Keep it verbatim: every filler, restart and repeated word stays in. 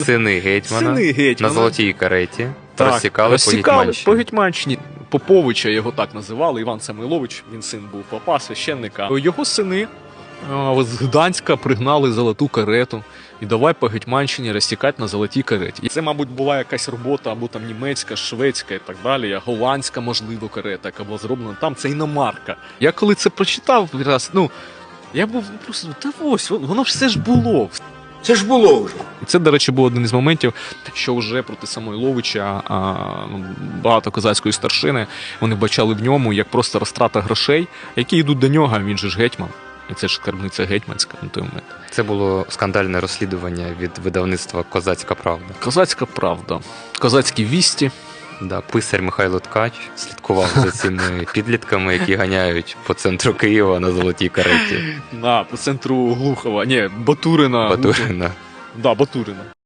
Сини гетьмана Сини гетьмана. на золотій кареті Так, розсікали по розсікали Гетьманщині. по Гетьманщині. Поповича його так називали, Іван Самойлович, він син був попа, священника. Його сини а, з Гданська пригнали золоту карету і давай по Гетьманщині розсікати на золотій кареті. І це, мабуть, була якась робота або там німецька, шведська і так далі, а голландська, можливо, карета, яка була зроблена там, це іномарка. Я коли це прочитав раз, ну, я був просто, та ось, воно все ж було. Це ж було вже. І це, до речі, був один із моментів, що вже проти Самойловича а, ну, багато козацької старшини, вони бачали в ньому як просто розтрата грошей, які йдуть до нього, а він же ж гетьман. І це ж скарбниця гетьманська на той момент. Це було скандальне розслідування від видавництва «Козацька правда». Козацька правда. Козацькі вісті. Да, писар Михайло Ткач слідкував за цими підлітками, які ганяють по центру Києва на золотій кареті. На, по центру Глухова. Ні, Батурина. Батурина. Да, Батурина.